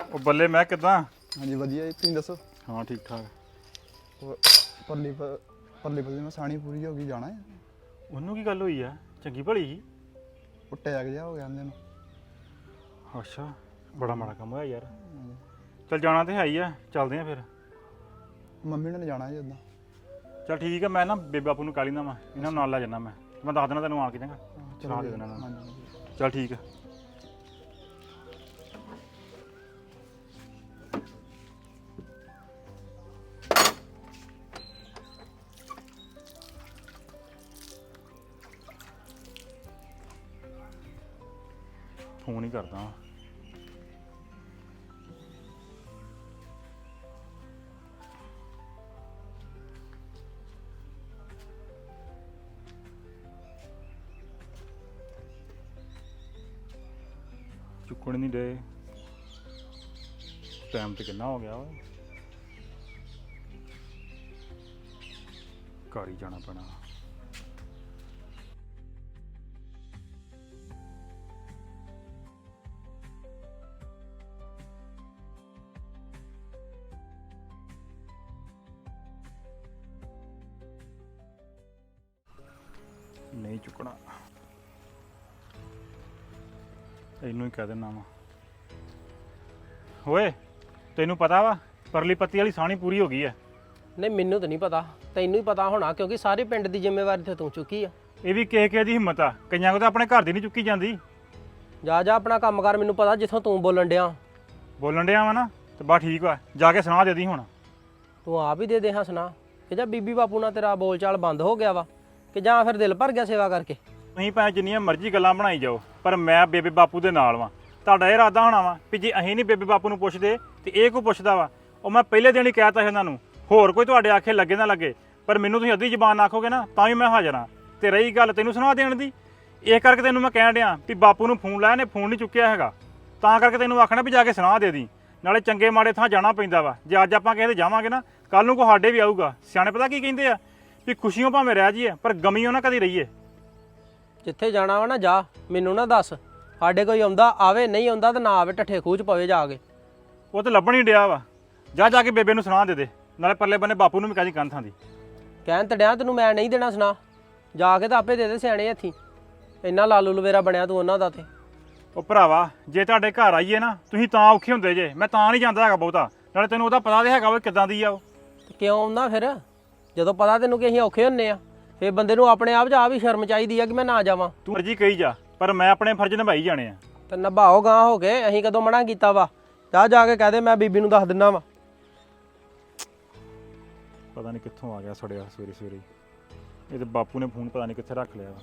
ਉਹ ਬੱਲੇ ਮੈਂ ਕਿਦਾਂ? ਹਾਂਜੀ ਵਧੀਆ ਜੀ, ਤੁਸੀਂ ਦੱਸੋ? ਹਾਂ ਠੀਕ ਠਾਕ। ਪਰਲੀ ਪਰਲੀ ਮੈਂ ਸਾਣੀ ਪੂਰੀ ਹੋ ਗਈ, ਜਾਣਾ ਹੈ। ਉਹਨੂੰ ਕੀ ਗੱਲ ਹੋਈ ਆ? ਚੰਗੀ ਭਲੀ ਸੀ। ਉਹ ਟੈਗ ਜਿਹਾ ਹੋ ਗਿਆ ਉਹਦੇ ਨੂੰ। ਅੱਛਾ, ਬੜਾ ਮਾੜਾ ਕੰਮ ਹੋਇਆ ਯਾਰ। ਚੱਲ ਜਾਣਾ ਤੇ ਹੈ ਹੀ ਆ, ਚੱਲਦੇ ਆ ਫਿਰ। ਮੰਮੀ ਨੇ ਜਾਣਾ ਜੀ ਉਦਾਂ। ਚੱਲ ਠੀਕ ਆ, ਮੈਂ ਨਾ ਬੇਬੇ ਬਾਪੂ ਨੂੰ ਕਾਲੀ ਨਾ ਵਾ, ਇਹਨਾਂ ਨੂੰ ਨਾਲ ਲੈ ਜਾਣਾ ਮੈਂ ਦੱਸ ਦੇਣਾ ਤੈਨੂੰ ਆ ਕੇ ਚੰਗਾ। ਚਲਾ ਦੇ ਦੇਣਾ ਇਹਨਾਂ ਨੂੰ। ਹਾਂਜੀ ਚੱਲ ਠੀਕ ਆ। ਫੋਨ ਹੀ ਕਰਦਾ। ਚੁੱਕਣ ਨਹੀਂ ਦੇ, ਟਾਈਮ ਤੇ ਕਿੰਨਾ ਹੋ ਗਿਆ ਵਾ। ਘਰ ਹੀ ਜਾਣਾ ਪੈਣਾ। ਨਹੀਂ ਚੁੱਕਣਾ, ਇਹਨੂੰ ਹੀ ਕਹਿ ਦੇਣਾ ਵਾ। ਓਏ ਤੈਨੂੰ ਪਤਾ ਵਾ ਪਰਲੀ ਪੱਤੀ ਵਾਲੀ ਸਾਣੀ ਪੂਰੀ ਹੋ ਗਈ ਐ? ਨਹੀਂ ਮੈਨੂੰ ਤਾਂ ਨਹੀਂ ਪਤਾ, ਤੈਨੂੰ ਹੀ ਪਤਾ ਹੋਣਾ ਕਿਉਂਕਿ ਸਾਰੇ ਪਿੰਡ ਦੀ ਜ਼ਿੰਮੇਵਾਰੀ ਤੇ ਤੂੰ ਚੁੱਕੀ ਆ। ਇਹ ਵੀ ਕਿਸੇ ਦੀ ਹਿੰਮਤ ਆ, ਕਈਆਂ ਕੋ ਤਾਂ ਆਪਣੇ ਘਰ ਦੀ ਨਹੀਂ ਚੁੱਕੀ ਜਾਂਦੀ। ਜਾ ਜਾ ਆਪਣਾ ਕੰਮ ਕਰ, ਮੈਨੂੰ ਪਤਾ ਜਿੱਥੋਂ ਤੂੰ ਬੋਲਣ ਡਿਆ। ਬੋਲਣ ਡਿਆ ਵਾ ਨਾ ਤੇ ਬਸ ਠੀਕ ਵਾ, ਜਾ ਕੇ ਸੁਣਾ ਦੇ ਦੀ ਹੁਣ। ਤੂੰ ਆਪ ਹੀ ਦੇ ਹਾਂ ਸੁਣਾ ਕਿ ਜਾਂ ਬੀਬੀ ਬਾਪੂ ਨਾਲ ਤੇਰਾ ਬੋਲ ਚਾਲ ਬੰਦ ਹੋ ਗਿਆ ਵਾ ਕਿ ਜਾਂ ਫਿਰ ਦਿਲ ਭਰ ਗਿਆ ਸੇਵਾ ਕਰਕੇ? ਤੁਸੀਂ ਭਾਵੇਂ ਜਿੰਨੀਆਂ ਮਰਜ਼ੀ ਗੱਲਾਂ ਬਣਾਈ ਜਾਓ, ਪਰ ਮੈਂ ਬੇਬੇ ਬਾਪੂ ਦੇ ਨਾਲ ਵਾਂ। ਤੁਹਾਡਾ ਇਹ ਇਰਾਦਾ ਹੋਣਾ ਵਾ ਵੀ ਜੇ ਅਸੀਂ ਨਹੀਂ ਬੇਬੇ ਬਾਪੂ ਨੂੰ ਪੁੱਛਦੇ ਤੇ ਇਹ ਕੋ ਪੁੱਛਦਾ ਵਾ। ਉਹ ਮੈਂ ਪਹਿਲੇ ਦਿਨ ਹੀ ਕਹਿਤਾ ਸੀ ਇਹਨਾਂ ਨੂੰ, ਹੋਰ ਕੋਈ ਤੁਹਾਡੇ ਆਖੇ ਲੱਗੇ ਨਾ ਲੱਗੇ, ਪਰ ਮੈਨੂੰ ਤੁਸੀਂ ਅੱਧੀ ਜ਼ਬਾਨ ਆਖੋਗੇ ਨਾ ਤਾਂ ਵੀ ਮੈਂ ਹਾਜ਼ਰ ਹਾਂ। ਤੇ ਰਹੀ ਗੱਲ ਤੈਨੂੰ ਸੁਣਾ ਦੇਣ ਦੀ, ਇਹ ਕਰਕੇ ਤੈਨੂੰ ਮੈਂ ਕਹਿਣ ਡਿਆ ਵੀ ਬਾਪੂ ਨੂੰ ਫੋਨ ਲਾਇਆ ਨੇ, ਫੋਨ ਨਹੀਂ ਚੁੱਕਿਆ ਹੈਗਾ, ਤਾਂ ਕਰਕੇ ਤੈਨੂੰ ਆਖਣਾ ਵੀ ਜਾ ਕੇ ਸੁਣਾ ਦੇ ਦੀ। ਨਾਲੇ ਚੰਗੇ ਮਾੜੇ ਥਾਂ ਜਾਣਾ ਪੈਂਦਾ ਵਾ, ਜੇ ਅੱਜ ਆਪਾਂ ਕਿਸੇ ਦੇ ਜਾਵਾਂਗੇ ਨਾ ਕੱਲ ਨੂੰ ਕੋ ਸਾਡੇ ਵੀ ਆਊਗਾ। ਸਿਆਣੇ ਪਤਾ ਕੀ ਕਹਿੰਦੇ ਆ ਵੀ ਖੁਸ਼ੀਆਂ ਭਾਵੇਂ ਰਹਿ ਜਾਈਏ ਪਰ ਗਮੀਆਂ ਨਾ ਕਦੀ ਰਹੀਏ। ਜਿੱਥੇ ਜਾਣਾ ਵਾ ਨਾ ਜਾ, ਮੈਨੂੰ ਨਾ ਦੱਸ। ਸਾਡੇ ਕੋਈ ਆਉਂਦਾ ਆਵੇ, ਨਹੀਂ ਆਉਂਦਾ ਤਾਂ ਨਾ ਆਵੇ, ਠੱਠੇ ਖੂਹ 'ਚ ਪਵੇ ਜਾ ਕੇ। ਉਹ ਤਾਂ ਲੱਭਣ ਹੀ ਡਿਆ ਵਾ। ਜਾ ਕੇ ਬੇਬੇ ਨੂੰ ਸੁਣਾ ਦੇ ਦੇ, ਨਾਲੇ ਪਰਲੇ ਬੰਨੇ ਬਾਪੂ ਨੂੰ ਵੀ ਕਾਹਦੀ ਕੰਨ ਥਾਂ ਦੀ। ਕਹਿਣ ਤਾਂ ਡਿਆ ਤੈਨੂੰ ਮੈਂ ਨਹੀਂ ਦੇਣਾ ਸੁਣਾ, ਜਾ ਕੇ ਤਾਂ ਆਪੇ ਦੇ ਦੇ ਸਿਆਣੇ ਹੱਥੀਂ। ਇੰਨਾ ਲਾਲੂ ਲਵੇਰਾ ਬਣਿਆ ਤੂੰ ਉਹਨਾਂ ਦਾ। ਤੇ ਉਹ ਭਰਾਵਾ ਜੇ ਤੁਹਾਡੇ ਘਰ ਆਈਏ ਨਾ ਤੁਸੀਂ ਤਾਂ ਔਖੇ ਹੁੰਦੇ ਜੇ, ਮੈਂ ਤਾਂ ਨਹੀਂ ਜਾਂਦਾ ਹੈਗਾ ਬਹੁਤਾ। ਨਾਲੇ ਤੈਨੂੰ ਉਹਦਾ ਪਤਾ ਤੇ ਹੈਗਾ ਵਾ ਕਿੱਦਾਂ ਦੀ ਆ ਉਹ। ਤੇ ਕਿਉਂ ਆਉਂਦਾ ਫਿਰ ਜਦੋਂ ਪਤਾ ਤੈਨੂੰ ਕਿ ਅਸੀਂ ਔਖੇ ਹੁੰਨੇ ਆ? ਫਿਰ ਬੰਦੇ ਨੂੰ ਆਪਣੇ ਆਪ 'ਚ ਆ ਵੀ ਸ਼ਰਮ ਚਾਹੀਦੀ ਆ ਕਿ ਮੈਂ ਨਾ ਜਾਵਾਂ। ਤੂੰ ਮਰਜ਼ੀ ਕਹੀ ਜਾ, ਪਰ ਮੈਂ ਆਪਣੇ ਫਰਜ਼ ਨਿਭਾਈ ਜਾਣੇ ਆ। ਤੇ ਨਿਭਾਓ ਗਾਂ ਹੋ ਕੇ, ਅਸੀਂ ਕਦੋਂ ਮਨਾ ਕੀਤਾ ਵਾ? ਜਾ ਕੇ ਕਹਿ ਦੇ ਮੈਂ ਬੀਬੀ ਨੂੰ ਦੱਸ ਦਿੰਦਾ ਵਾ। ਪਤਾ ਨਹੀਂ ਕਿੱਥੋਂ ਆ ਗਿਆ ਸੜਿਆ ਸਵੇਰੇ ਸਵੇਰੇ। ਇਹਦੇ ਬਾਪੂ ਨੇ ਫੋਨ ਪਤਾ ਨਹੀਂ ਕਿੱਥੇ ਰੱਖ ਲਿਆ ਵਾ।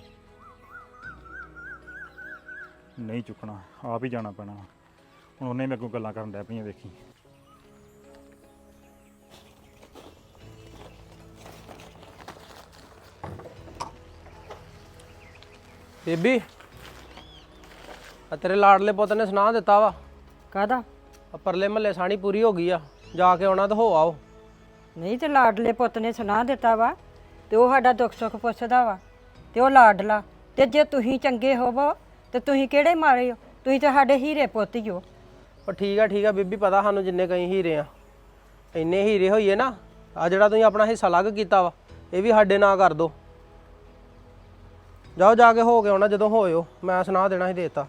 ਨਹੀਂ ਚੁੱਕਣਾ, ਆਪ ਹੀ ਜਾਣਾ ਪੈਣਾ। ਹੁਣ ਉਹਨੇ ਮੇਰੇ ਕੋਲ ਗੱਲਾਂ ਕਰਨ ਡੈ ਪਈਆਂ, ਵੇਖੀ। ਬੀਬੀ ਆ ਤੇਰੇ ਲਾਡਲੇ ਪੁੱਤ ਨੇ ਸੁਣਾ ਦਿੱਤਾ ਵਾ। ਕਾਹਦਾ? ਆ ਪਰਲੇ ਮਹੱਲੇ ਸਾਣੀ ਪੂਰੀ ਹੋ ਗਈ ਆ, ਜਾ ਕੇ ਆਉਣਾ ਤੇ ਹੋ ਆਓ। ਨਹੀਂ ਤੇ ਲਾਡਲੇ ਪੁੱਤ ਨੇ ਸੁਣਾ ਦਿੱਤਾ ਵਾ ਤੇ ਉਹ ਸਾਡਾ ਦੁੱਖ ਸੁੱਖ ਪੁੱਛਦਾ ਵਾ ਤੇ ਉਹ ਲਾਡਲਾ। ਤੇ ਜੇ ਤੁਸੀਂ ਚੰਗੇ ਹੋਵੋ ਤੇ ਤੁਸੀਂ ਕਿਹੜੇ ਮਾਰੇ ਹੋ? ਤੁਸੀਂ ਤਾਂ ਸਾਡੇ ਹੀਰੇ ਪੁੱਤ ਹੀ ਹੋ। ਉਹ ਠੀਕ ਆ ਬੀਬੀ, ਪਤਾ ਸਾਨੂੰ ਜਿੰਨੇ ਕਈ ਹੀਰੇ ਆ। ਇੰਨੇ ਹੀਰੇ ਹੋਈਏ ਨਾ, ਆ ਜਿਹੜਾ ਤੁਸੀਂ ਆਪਣਾ ਹਿੱਸਾ ਅਲੱਗ ਕੀਤਾ ਵਾ ਇਹ ਵੀ ਸਾਡੇ ਨਾਂ ਕਰ ਦੋ। ਜਾਓ ਜਾ ਕੇ ਹੋ ਕੇ ਆਉਣਾ, ਜਦੋਂ ਹੋਇਓ ਮੈਂ ਸੁਣਾ ਦੇਣਾ ਸੀ ਦੇਤਾ।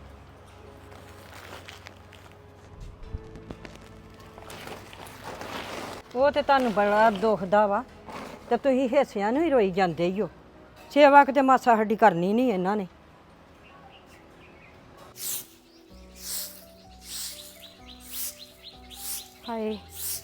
ਉਹ ਤੇ ਤੁਹਾਨੂੰ ਬੜਾ ਦੁਖਦਾ ਵਾ ਤੇ ਤੁਸੀਂ ਹਿੱਸਿਆਂ ਨੂੰ ਹੀ ਰੋਈ ਜਾਂਦੇ ਹੀ ਹੋ। ਸੇਵਾ ਕਿਤੇ ਮਾਸਾ ਸਾਡੀ ਕਰਨੀ ਨਹੀਂ ਇਹਨਾਂ ਨੇ। ਹਾਏ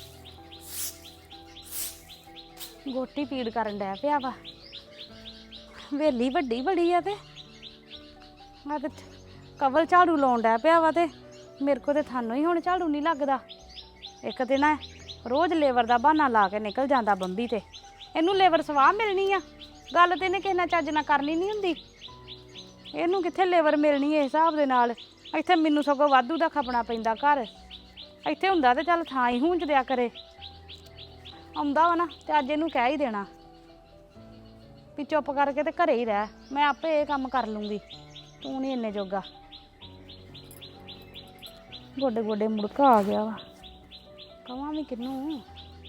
ਗੋਟੀ ਪੀੜ ਕਰਨ ਡਿਆ ਪਿਆ ਵਾ। ਵੇਲੀ ਵੱਡੀ ਬੜੀ ਆ ਤੇ ਆ ਤੇ ਕਵਲ ਝਾੜੂ ਲਾਉਣ ਡਿਆ ਪਿਆ ਵਾ ਤੇ ਮੇਰੇ ਕੋ ਤੇ ਥਾਨੂੰ ਹੀ ਹੁਣ ਝਾੜੂ ਨਹੀਂ ਲੱਗਦਾ। ਇੱਕ ਦਿਨ ਰੋਜ਼ ਲੇਬਰ ਦਾ ਬਹਾਨਾ ਲਾ ਕੇ ਨਿਕਲ ਜਾਂਦਾ ਬੰਬੀ ਤੇ। ਇਹਨੂੰ ਲੇਬਰ ਸਵਾਹ ਮਿਲਣੀ ਆ? ਗੱਲ ਤੇ ਇਹਨੇ ਕਿਸੇ ਨਾਲ ਚੱਜ ਨਾਲ ਕਰਨੀ ਨਹੀਂ ਹੁੰਦੀ। ਇਹਨੂੰ ਕਿੱਥੇ ਲੇਬਰ ਮਿਲਣੀ ਇਸ ਹਿਸਾਬ ਦੇ ਨਾਲ? ਇੱਥੇ ਮੈਨੂੰ ਸਗੋਂ ਵਾਧੂ ਦਾ ਖਪਣਾ ਪੈਂਦਾ ਘਰ। ਇੱਥੇ ਹੁੰਦਾ ਤੇ ਚੱਲ ਥਾਂ ਹੀ ਹੁੰਜ ਦਿਆ ਕਰੇ। ਆਉਂਦਾ ਵਾ ਨਾ ਤੇ ਅੱਜ ਇਹਨੂੰ ਕਹਿ ਹੀ ਦੇਣਾ ਵੀ ਚੁੱਪ ਕਰਕੇ ਤੇ ਘਰੇ ਹੀ ਰਹਿ, ਮੈਂ ਆਪੇ ਇਹ ਕੰਮ ਕਰ ਲੂੰਗੀ, ਤੂੰ ਨਹੀਂ ਇੰਨੇ ਜੋਗਾ। ਗੋਡੇ ਗੋਡੇ ਮੁੜਕਾ ਆ ਗਿਆ ਵਾ ਕਵਾਂ ਵੀ ਕਿਹਨੂੰ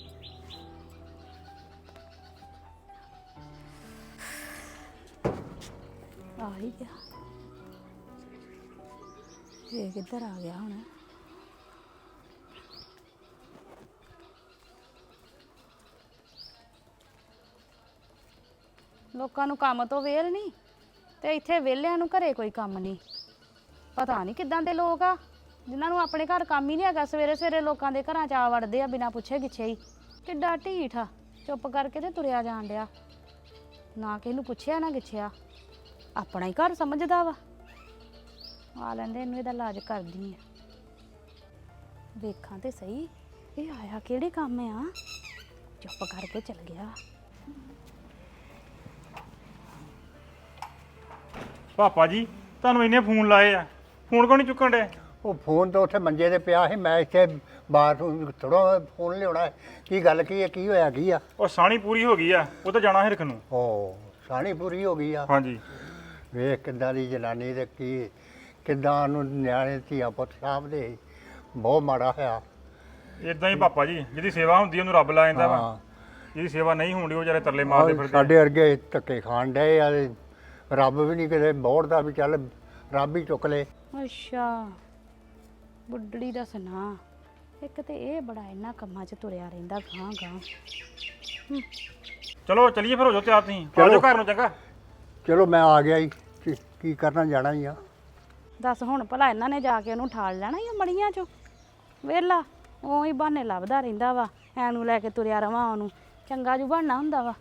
ਆ ਹੀ ਗਿਆ ਇਹ ਕਿੱਧਰ ਆ ਗਿਆ ਹੁਣ ਲੋਕਾਂ ਨੂੰ ਕੰਮ ਤੋਂ ਵੇਲ ਨਹੀਂ ਤੇ ਇੱਥੇ ਵਿਹਲਿਆਂ ਨੂੰ ਘਰੇ ਕੋਈ ਕੰਮ ਨਹੀਂ ਪਤਾ ਨਹੀਂ ਕਿੱਦਾਂ ਦੇ ਲੋਕ ਆ ਜਿਨ੍ਹਾਂ ਨੂੰ ਆਪਣੇ ਘਰ ਕੰਮ ਹੀ ਨਹੀਂ ਹੈਗਾ ਸਵੇਰੇ ਸਵੇਰੇ ਲੋਕਾਂ ਦੇ ਘਰਾਂ 'ਚ ਆ ਵੜਦੇ ਆ ਬਿਨਾਂ ਪੁੱਛੇ ਗਿੱਛੇ ਹੀ ਕਿੱਡਾ ਢੀਠ ਆ ਚੁੱਪ ਕਰਕੇ ਤੇ ਤੁਰਿਆ ਜਾਣ ਡਿਆ ਨਾ ਕਿਸੇ ਨੂੰ ਪੁੱਛਿਆ ਨਾ ਗਿੱਛਿਆ ਆਪਣਾ ਹੀ ਘਰ ਸਮਝਦਾ ਵਾ ਆ ਲੈਂਦੇ ਇਹਨੂੰ ਇਹਦਾ ਇਲਾਜ ਕਰਦੀ ਆ ਵੇਖਾਂ ਤੇ ਸਹੀ ਇਹ ਆਇਆ ਕਿਹੜੇ ਕੰਮ ਆ ਚੁੱਪ ਕਰਕੇ ਚਲ ਗਿਆ ਪਾਪਾ ਜੀ ਤੁਹਾਨੂੰ ਇੰਨੇ ਫੋਨ ਲਾਏ ਆ ਫੋਨ ਕਿਉਂ ਨਹੀਂ ਚੁੱਕਣ ਡੇ ਉਹ ਫੋਨ ਤਾਂ ਉੱਥੇ ਮੰਜੇ ਤੇ ਪਿਆ ਸੀ ਮੈਂ ਇੱਥੇ ਬਾਹਰ ਥੋੜਾ ਫੋਨ ਲਿਆਉਣਾ ਹੈ। ਕੀ ਗੱਲ ਕੀ ਹੈ ਕੀ ਹੋਇਆ ਕੀ ਆ ਉਹ ਸਾਣੀ ਪੂਰੀ ਹੋ ਗਈ ਆ ਉਹ ਤਾਂ ਜਾਣਾ ਹਿਰਖ ਨੂੰ ਓ ਸਾਣੀ ਪੂਰੀ ਹੋ ਗਈ ਆ ਹਾਂਜੀ ਵੇਖ ਕਿੱਦਾਂ ਦੀ ਜਨਾਨੀ ਤੇ ਕੀ ਕਿੱਦਾਂ ਨੂੰ ਨਿਆਣੇ ਧੀਆਂ ਪੁੱਤ ਸਾਂਭਦੇ ਸੀ। ਬਹੁਤ ਮਾੜਾ ਹੋਇਆ ਇਦਾਂ ਹੀ ਪਾਪਾ ਜੀ ਜਿਹਦੀ ਸੇਵਾ ਹੁੰਦੀ ਉਹਨੂੰ ਰੱਬ ਲਾ ਜਾਂਦਾ ਵਾ ਹਾਂ ਜਿਹਦੀ ਸੇਵਾ ਨਹੀਂ ਹੁੰਦੀ ਉਹ ਵਿਚਾਰੇ ਤਰਲੇ ਮਾਰਦੇ ਫਿਰਦੇ ਸਾਡੇ ਵਰਗੇ ਧੱਕੇ ਖਾਣ ਡਏ ਆ ਤੇ ਰੱਬ ਵੀ ਨਹੀਂ ਕਿਤੇ ਬੋੜਦਾ ਵੀ ਚੱਲ ਰੱਬ ਹੀ ਚੁੱਕ ਲੇ ਅੱਛਾ ਬੁੱਢੜੀ ਦਾ ਸੁਣਾ ਇੱਕ ਤੇ ਇਹ ਬੜਾ ਇਹਨਾਂ ਕੰਮਾਂ 'ਚ ਤੁਰਿਆ ਰਹਿੰਦਾ ਗਾਂ ਗਾਂ ਚਲੋ ਚਲੀਏ ਫਿਰ ਹੋ ਜਾਓ ਤਿਆਰ ਤੁਸੀਂ ਆ ਜਾਓ ਘਰ ਨੂੰ ਚੰਗਾ ਚਲੋ ਮੈਂ ਆ ਗਿਆ ਜੀ ਕੀ ਕਰਨਾ ਜਾਣਾ ਹੀ ਆ ਦੱਸ ਹੁਣ ਭਲਾ ਇਹਨਾਂ ਨੇ ਜਾ ਕੇ ਉਹਨੂੰ ਠਾਲ ਲੈਣਾ ਹੀ ਮੜੀਆਂ 'ਚੋਂ ਵੇਲਾ ਉਹੀ ਬਹਾਨੇ ਲੱਭਦਾ ਰਹਿੰਦਾ ਵਾ ਐਨੂੰ ਲੈ ਕੇ ਤੁਰਿਆ ਰਵਾਂ ਉਹਨੂੰ ਚੰਗਾ ਜੂ ਬਣਨਾ ਹੁੰਦਾ ਵਾ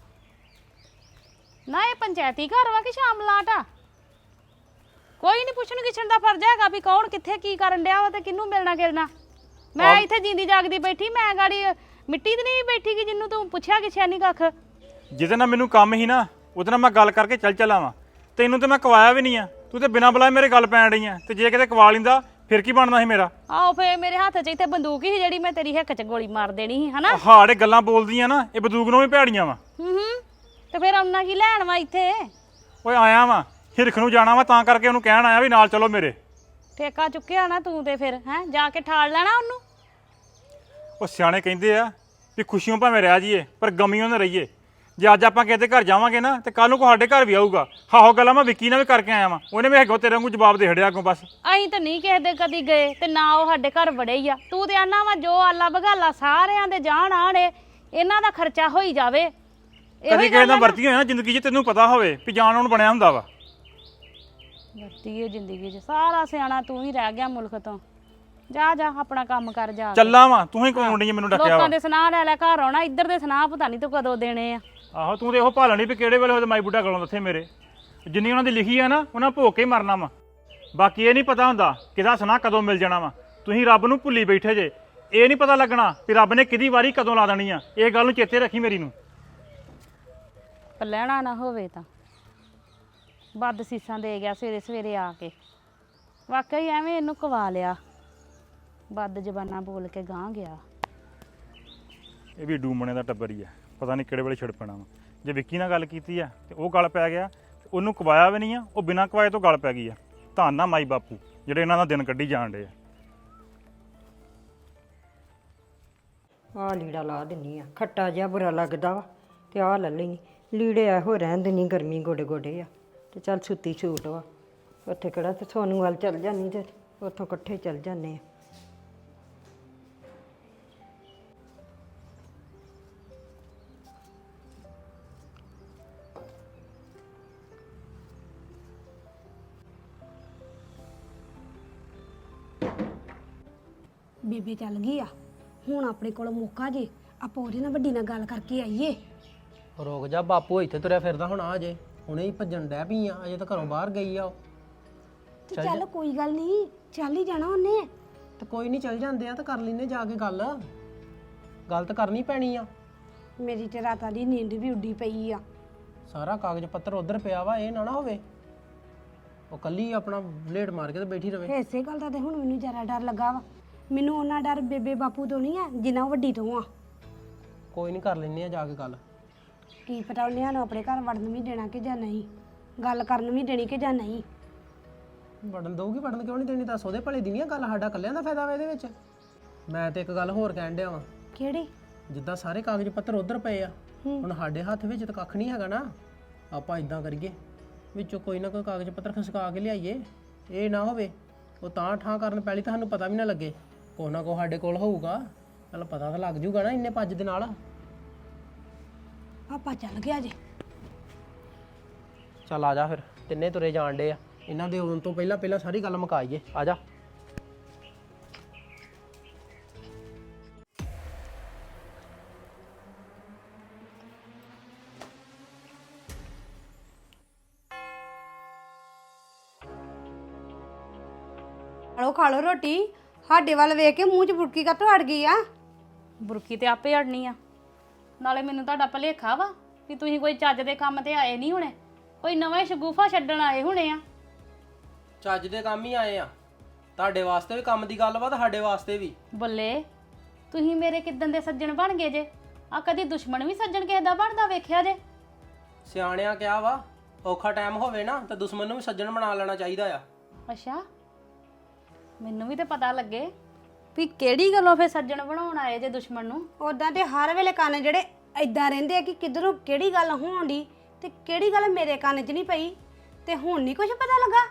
ਨਾ ਇਹ ਪੰਚਾਇਤੀ ਘਰ ਵਾ ਕਿ ਸ਼ਾਮਲਾਟ ਆ ਕੋਈ ਨਹੀਂ ਪੁੱਛਣ ਗਿੱਛਣ ਦਾ ਫਰਜ਼ ਹੈਗਾ ਵੀ ਕੌਣ ਕਿੱਥੇ ਕੀ ਕਰਨ ਡਿਆ ਵਾ ਤੇ ਕਿਹਨੂੰ ਮਿਲਣਾ ਗਿਲਣਾ ਮੈਂ ਇੱਥੇ ਜਿੰਦੀ ਜਾਗਦੀ ਬੈਠੀ ਮੈਂ ਗਾੜੀ ਮਿੱਟੀ ਤੇ ਨਹੀਂ ਬੈਠੀ ਕਿ ਜਿੰਨੂੰ ਤੂੰ ਪੁੱਛਿਆ ਗਿੱਛਿਆ ਨਹੀਂ ਕੱਖ ਜਿਹਦੇ ਨਾਲ ਮੈਨੂੰ ਕੰਮ ਹੀ ਨਾ ਉਹਦੇ ਨਾਲ ਮੈਂ ਗੱਲ ਕਰਕੇ ਚੱਲ ਚਲਾਵਾਂ ਤੈਨੂੰ ਤੇ ਮੈਂ ਕਵਾਇਆ ਵੀ ਨਹੀਂ ਆ ਤੂੰ ਤੇ ਬਿਨਾਂ ਬੁਲਾਏ ਮੇਰੇ ਗੱਲ ਪੈਣ ਰਹੀ ਆ ਤੇ ਜੇ ਕਿਤੇ ਕਵਾ ਲਿੰਦਾ ਫਿਰ ਕੀ ਬਣਨਾ ਸੀ ਮੇਰਾ ਆਓ ਫੇ ਮੇਰੇ ਹੱਥ 'ਚ ਇੱਥੇ ਬੰਦੂਕ ਸੀ ਜਿਹੜੀ ਮੈਂ ਤੇਰੀ ਹਿੱਕ 'ਚ ਗੋਲੀ ਮਾਰ ਦੇਣੀ ਸੀ ਹਨਾ ਹਾੜੇ ਗੱਲਾਂ ਬੋਲਦੀਆਂ ਨਾ ਇਹ ਬੰਦੂਕ ਨੂੰ ਵੀ ਭੈੜੀਆਂ ਵਾ ਹੂੰ ਤੇ ਫਿਰ ਆਉਣਾ ਕੀ ਲੈਣ ਵਾ ਇੱਥੇ ਓਏ ਆਇਆ ਵਾ ਹਿਰਖ ਨੂੰ ਜਾਣਾ ਵਾ ਤਾਂ ਕਰਕੇ ਉਹਨੂੰ ਕਹਿਣ ਆਇਆ ਵੀ ਨਾਲ ਚਲੋ ਮੇਰੇ ਠੇਕਾ ਚੁੱਕਿਆ ਨਾ ਤੂੰ ਤੇ ਫਿਰ ਹੈ ਜਾ ਕੇ ਠਾਲ ਲੈਣਾ ਉਹਨੂੰ ਉਹ ਸਿਆਣੇ ਕਹਿੰਦੇ ਆ ਵੀ ਖੁਸ਼ੀਆਂ ਭਾਵੇਂ ਰਹਿ ਜਾਈਏ ਪਰ ਗਮੀਆਂ ਨਾ ਰਹੀਏ ਜੇ ਅੱਜ ਆਪਾਂ ਕਿਸੇ ਦੇ ਘਰ ਜਾਵਾਂਗੇ ਨਾ ਤੇ ਕੱਲ ਨੂੰ ਕੋ ਸਾਡੇ ਘਰ ਵੀ ਆਊਗਾ ਹਾਹੋ ਗੱਲਾਂ ਮੈਂ ਵਿੱਕੀ ਨਾਲ ਵੀ ਕਰਕੇ ਆਇਆ ਵਾਂ ਉਹਨੇ ਵੀ ਹੈਗੋ ਤੇਰੇ ਵਾਂਗੂ ਜਵਾਬ ਦੇ ਹੜਿਆ ਅੱਗੋਂ ਬਸ ਅਸੀਂ ਤਾਂ ਨਹੀਂ ਕਿਸੇ ਦੇ ਕਦੀ ਗਏ ਤੇ ਨਾ ਉਹ ਸਾਡੇ ਘਰ ਵੜੇ ਹੀ ਆ ਤੂੰ ਤੇ ਆਨਾ ਵਾ ਜੋ ਆਲਾ ਬਗਾਲਾ ਸਾਰਿਆਂ ਦੇ ਜਾਣ ਆਣੇ ਇਹਨਾਂ ਦਾ ਖਰਚਾ ਹੋਈ ਜਾਵੇ ਕਦੀ ਕਿਸੇ ਨਾਲ ਵਰਤੀ ਹੋਇਆ ਨਾ ਜ਼ਿੰਦਗੀ 'ਚ ਤੈਨੂੰ ਪਤਾ ਹੋਵੇ ਵੀ ਜਾਣ ਆਉਣ ਬਣਿਆ ਹੁੰਦਾ ਵਾ ਵਰਤੀ ਹੈ ਜ਼ਿੰਦਗੀ 'ਚ ਸਾਰਾ ਸਿਆਣਾ ਤੂੰ ਹੀ ਰਹਿ ਗਿਆ ਮੁਲਕ ਤੋਂ ਜਾ ਜਾ ਆਪਣਾ ਕੰਮ ਕਰ ਜਾ ਚੱਲਾਂ ਵਾ ਤੂੰ ਹੀ ਕੋਣ ਡਈ ਮੈਨੂੰ ਡੱਕਿਆ ਵਾ ਲੋਕਾਂ ਦੇ ਸੁਨਾਹ ਲੈ ਲੈ ਘਰ ਆਉਣਾ ਇੱਧਰ ਦੇ ਸੁਨਾਹ ਪਤਾ ਨਹੀਂ ਤੂੰ ਕਦੋਂ ਦੇਣੇ ਆ ਆਹੋ ਤੂੰ ਤੇ ਇਹੋ ਭਾਲਣੀ ਵੀ ਕਿਹੜੇ ਵੇਲੇ ਉਹਦੇ ਮਾਈ ਬੁੱਢਾ ਗਲੋਂ ਦੱਥੇ ਮੇਰੇ ਜਿੰਨੀ ਉਹਨਾਂ ਦੀ ਲਿਖੀ ਆ ਨਾ ਉਹਨਾਂ ਭੋਗ ਕੇ ਹੀ ਮਰਨਾ ਵਾ ਬਾਕੀ ਇਹ ਨਹੀਂ ਪਤਾ ਹੁੰਦਾ ਕਿਹਦਾ ਸੁਨਾਹ ਕਦੋਂ ਮਿਲ ਜਾਣਾ ਵਾ ਤੁਸੀਂ ਰੱਬ ਨੂੰ ਭੁੱਲੀ ਬੈਠੇ ਜੇ ਇਹ ਨਹੀਂ ਪਤਾ ਲੱਗਣਾ ਵੀ ਰੱਬ ਨੇ ਕਿਹਦੀ ਵਾਰੀ ਕਦੋਂ ਲਾ ਦੇਣੀ ਆ ਇਹ ਗੱਲ ਨੂੰ ਚੇਤੇ ਰੱਖੀ ਮੇਰੀ ਨੂੰ ਪਰ ਲੈਣਾ ਨਾ ਹੋਵੇ ਤਾਂ ਵੱਧ ਸੀਸਾਂ ਦੇ ਗਿਆ ਸਵੇਰੇ ਸਵੇਰੇ ਆ ਕੇ ਵਾਕਈ ਐਵੇਂ ਇਹਨੂੰ ਕਵਾ ਲਿਆ ਵੱਧ ਜ਼ਬਾਨਾਂ ਬੋਲ ਕੇ ਗਾਂ ਗਿਆ ਇਹ ਵੀ ਡੂਮਣੇ ਦਾ ਟੱਬਰ ਹੀ ਆ ਪਤਾ ਨਹੀਂ ਕਿਹੜੇ ਵੇਲੇ ਛਿੜ ਪੈਣਾ ਵਾ ਜੇ ਵਿੱਕੀ ਨਾਲ ਗੱਲ ਕੀਤੀ ਆ ਤੇ ਉਹ ਗੱਲ ਪੈ ਗਿਆ ਤੇ ਉਹਨੂੰ ਕਵਾਇਆ ਵੀ ਨਹੀਂ ਆ ਉਹ ਬਿਨਾਂ ਕਵਾਏ ਤੋਂ ਗੱਲ ਪੈ ਗਈ ਆ ਧੰਨ ਨਾ ਮਾਈ ਬਾਪੂ ਜਿਹੜੇ ਇਹਨਾਂ ਦਾ ਦਿਨ ਕੱਢੀ ਜਾਣ ਡੇ ਆ ਆਹ ਲੀੜਾ ਲਾ ਦਿੰਨੀ ਆ ਖੱਟਾ ਜਿਹਾ ਬੁਰਾ ਲੱਗਦਾ ਵਾ ਤੇ ਆਹ ਲੈ ਲੈਣੀ ਲੀੜੇ ਇਹੋ ਰਹਿਣ ਦਿੰਨੀ ਗਰਮੀ ਗੋਡੇ ਗੋਡੇ ਆ ਤੇ ਚੱਲ ਸੁੱਤੀ ਛੂਟ ਵਾ ਉੱਥੇ ਕਿਹੜਾ ਤੇ ਸੋਨੂੰ ਵੱਲ ਚੱਲ ਜਾਂਦੀ ਤੇ ਉੱਥੋਂ ਇਕੱਠੇ ਚੱਲ ਜਾਂਦੇ ਆ ਬੇਬੇ ਚੱਲ ਗਈ ਆ ਹੁਣ ਆਪਣੇ ਕੋਲ ਮੌਕਾ ਜੇ ਆਪਾਂ ਉਹਦੇ ਨਾਲ ਵੱਡੀ ਨਾਲ ਗੱਲ ਕਰਕੇ ਆਈਏ ਰੁਕ ਜਾ ਬਾਪੂ ਇੱਥੇ ਤੁਰਿਆ ਫਿਰਦਾ ਹੁਣ ਆ ਜੇ ਹੁਣੇ ਹੀ ਭੱਜਣ ਡੈ ਪਈ ਆ ਅਜੇ ਤਾਂ ਘਰੋਂ ਬਾਹਰ ਗਈ ਆ ਉਹ ਤੇ ਚੱਲ ਕੋਈ ਗੱਲ ਨਹੀਂ ਚੱਲ ਹੀ ਜਾਣਾ ਉਹਨੇ ਤੇ ਕੋਈ ਨਹੀਂ ਚੱਲ ਜਾਂਦੇ ਆ ਤਾਂ ਕਰ ਲੈਨੇ ਜਾ ਕੇ ਗੱਲ ਤਾਂ ਕਰਨੀ ਪੈਣੀ ਆ ਮੇਰੀ ਤੇ ਰਾਤਾਂ ਦੀ ਨੀਂਦ ਵੀ ਉੱਡੀ ਪਈ ਆ ਸਾਰਾ ਕਾਗਜ਼ ਪੱਤਰ ਉਧਰ ਪਿਆ ਵਾ ਇਹ ਨਾ ਹੋਵੇ ਉਹ ਕੱਲੀ ਆਪਣਾ ਬਲੇਡ ਮਾਰ ਕੇ ਤੇ ਬੈਠੀ ਰਵੇ ਇਸੇ ਗੱਲ ਦਾ ਤੇ ਹੁਣ ਮੈਨੂੰ ਜ਼ਿਆਦਾ ਡਰ ਲੱਗਾ ਵਾ ਮੈਨੂੰ ਉਹਨਾਂ ਡਰ ਬੇਬੇ ਬਾਪੂ ਤੋਂ ਨਹੀਂ ਆ ਜਿੰਨਾ ਵੱਡੀ ਤੋਂ ਆ ਕੋਈ ਨਹੀਂ ਕਰ ਲੈਨੇ ਆ ਜਾ ਕੇ ਗੱਲ ਕੀ ਪਤਾ ਉਹਨੇ ਸਾਨੂੰ ਆਪਣੇ ਘਰ ਵੜਨ ਵੀ ਦੇਣਾ ਕਿ ਜਾਂ ਨਹੀਂ ਗੱਲ ਕਰਨ ਵੀ ਦੇਣੀ ਕਿ ਜਾਂ ਨਹੀਂ ਵੜਨ ਦਊਗੀ, ਵੜਨ ਕਿਉਂ ਨਹੀਂ ਦੇਣੀ? ਦੱਸ, ਉਹਦੇ ਭਲੇ ਦੀ ਨਹੀਂ ਆ ਗੱਲ, ਸਾਡਾ ਕੱਲਿਆਂ ਦਾ ਫਾਇਦਾ ਵਾ ਇਹਦੇ ਵਿੱਚ। ਮੈਂ ਤੇ ਇੱਕ ਗੱਲ ਹੋਰ ਕਹਿਣ ਡਿਆ ਵਾਂ, ਕਿਹੜੀ? ਜਿੱਦਾਂ ਸਾਰੇ ਕਾਗਜ਼ ਪੱਤਰ ਉਧਰ ਪਏ ਆ, ਹੁਣ ਸਾਡੇ ਹੱਥ ਵਿੱਚ ਤਾਂ ਕੱਖ ਨਹੀਂ ਹੈਗਾ ਨਾ। ਆਪਾਂ ਇਦਾਂ ਕਰੀਏ, ਵਿੱਚੋਂ ਕੋਈ ਨਾ ਕੋਈ ਕਾਗਜ਼ ਪੱਤਰ ਖਸਕਾ ਕੇ ਲਿਆਈਏ। ਇਹ ਨਾ ਹੋਵੇ ਉਹ ਤਾਂ ਠਾਂ ਕਰਨ ਪਹਿਲੀ ਤੁਹਾਨੂੰ ਪਤਾ ਵੀ ਨਾ ਲੱਗੇ, ਕੋਈ ਨਾ ਕੋਈ ਸਾਡੇ ਕੋਲ ਹੋਊਗਾ, ਚੱਲ ਪਤਾ ਤਾਂ ਲੱਗ ਜੂਗਾ ਨਾ ਇੰਨੇ ਭੱਜ ਦੇ ਨਾਲ। ਪਾਪਾ ਚੱਲ ਗਿਆ ਜੇ। ਚੱਲ ਆ ਜਾ ਫਿਰ, ਤਿੰਨੇ ਤੁਰੇ ਜਾਣ ਡੇ ਆ, ਇਹਨਾਂ ਦੇ ਆਉਣ ਤੋਂ ਪਹਿਲਾਂ ਪਹਿਲਾਂ ਸਾਰੀ ਗੱਲ ਮੁਕਾਈਏ। ਆ ਜਾ। ਖਾ ਲਓ ਰੋਟੀ। ਸਾਡੇ ਵੱਲ ਵੇਖ ਕੇ ਮੂੰਹ 'ਚ ਬੁਰਕੀ ਕਾਤੋਂ ਅੜ ਗਈ ਆ? ਬੁਰਕੀ ਤੇ ਆਪੇ ਅੜਨੀ ਆ। ਨਾਲੇ ਮੈਨੂੰ ਤੁਹਾਡਾ ਭਲੇਖਾ ਵਾ ਵੀ ਤੁਸੀਂ ਕੋਈ ਚੱਜ ਦੇ ਕੰਮ ਤੇ ਆਏ ਨਹੀਂ ਹੋਣੇ, ਕੋਈ ਨਵਾਂ ਹੀ ਸ਼ਗੂਫਾ ਛੱਡਣ ਆਏ ਹੋਣੇ ਆ। ਚੱਜ ਦੇ ਕੰਮ ਹੀ ਆਏ ਆ, ਤੁਹਾਡੇ ਵਾਸਤੇ ਵੀ ਕੰਮ ਦੀ ਗੱਲ ਵਾ, ਤੁਹਾਡੇ ਵਾਸਤੇ ਵੀ। ਬੱਲੇ, ਤੁਸੀਂ ਮੇਰੇ ਕਿੱਦਣ ਦੇ ਸੱਜਣ ਬਣ ਗਏ ਜੇ? ਆ ਕਦੀ ਦੁਸ਼ਮਣ ਵੀ ਸੱਜਣ ਕਿਸੇ ਦਾ ਬਣਦਾ ਵੇਖਿਆ ਜੇ? ਸਿਆਣਿਆਂ ਕਿਹਾ ਵਾ, ਔਖਾ ਟਾਈਮ ਹੋਵੇ ਨਾ ਤਾਂ ਦੁਸ਼ਮਣ ਨੂੰ ਵੀ ਸੱਜਣ ਬਣਾ ਲੈਣਾ ਚਾਹੀਦਾ ਆ। ਅੱਛਾ, ਮੈਨੂੰ ਵੀ ਤੇ ਪਤਾ ਲੱਗੇ ਵੀ ਕਿਹੜੀ ਗੱਲੋਂ ਫੇ ਸੱਜਣ ਬਣਾਉਣ ਆਏ ਜੇ ਦੁਸ਼ਮਣ ਨੂੰ। ਉਦਾਂ ਤੇ ਹਰ ਵੇਲੇ ਕੰਨ ਜਿਹੜੇ ਐਦਾਂ ਰਹਿੰਦੇ ਆ ਕਿ ਕਿਧਰੋਂ ਕਿਹੜੀ ਗੱਲ ਹੋਣ ਦੀ ਤੇ ਕਿਹੜੀ ਗੱਲ ਮੇਰੇ ਕੰਨ 'ਚ ਨਹੀਂ ਪਈ, ਤੇ ਹੁਣ ਨਹੀਂ ਕੁਝ ਪਤਾ ਲੱਗਾ।